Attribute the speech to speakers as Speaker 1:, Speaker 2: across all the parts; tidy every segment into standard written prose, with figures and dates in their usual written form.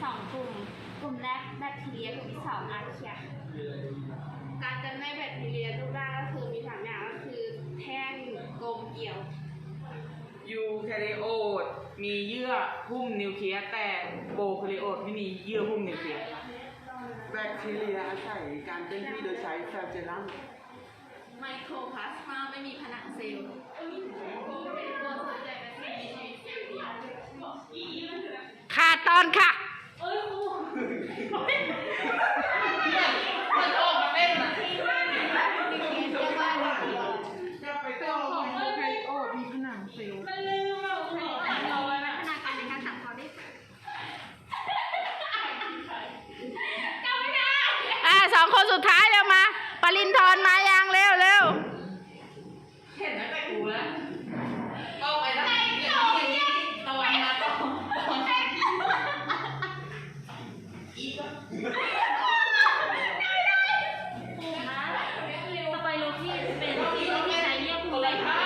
Speaker 1: 2 กลุ่มแรกแบคทีเรียกลุ่มที่2อาร์เคียการจำแนกแบคทีเรียรูปร่างก็คือมี3อย่างก็คือแท่งกลมเกี่ยว
Speaker 2: ยูแคาริโอตมีเยื่อหุ้มนิวเคลียสแต่โปรแคาริโอตไม่มีเยื่อหุ้มนิวเคลียส
Speaker 3: แบคทีเรียอาศัยการเคลื่อนที่โดยใช้แฟลเจลลัม
Speaker 1: ไมโครพลาสมาไม่มีผนังเซลล์ตัวส่วนใหญ่แบคทีเรียมีเซลล์เดียว
Speaker 4: ขาดตอนค่ะ
Speaker 2: มันออกมาเล่นนะ
Speaker 3: จะไปต่อของโปรแคาริโอตมีผนังเซลล์
Speaker 4: 2 คนสุดท้ายเร็วมาปรินทร์มายังเร็ว
Speaker 2: เห็นแล้วแต่กูแล้วก็ไปแล้วตะวันมาต้อง
Speaker 1: สไปโรที่เป็นที่ใช้เรียกภูมิภาค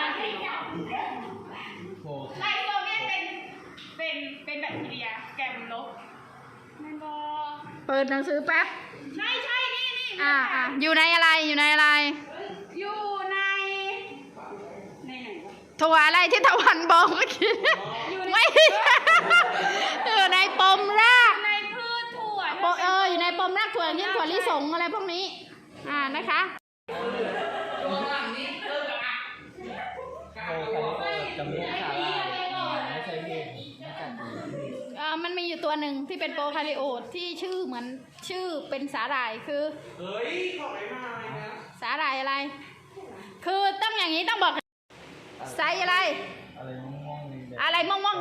Speaker 1: ไลโซเมียเป็นแบคทีเรียแกมลบแมนบอ
Speaker 4: เปิดหนังสือแป๊บ
Speaker 1: ใช่นี่
Speaker 4: อยู่ในอะไรอยู่ในไหนถั่วอะไรที่ตะวันบอกเมื่อกี้ไม่อยู่ในปมราก
Speaker 1: ในพืชถั่ว
Speaker 4: อยู่ในปมรากถั่วนี่ถั่วลิสงอะไรพวกนี้นะคะ
Speaker 2: ตัวหลังนี้
Speaker 3: จำพวกสาลายไม่ใช่เห็ดไม่กัด
Speaker 4: มันมีอยู่ตัวหนึ่งที่เป็นโปรคาริโอตที่ชื่อเหมือนชื่อเป็นสาหร่ายคือ
Speaker 3: เฮ้ยขอไม่มาเลยนะ
Speaker 4: สาหร่ายอะไรคือต้องอย่างนี้ต้องบอกไซส์อะไร
Speaker 3: อะไรม่วงๆ
Speaker 4: อะไรม่วง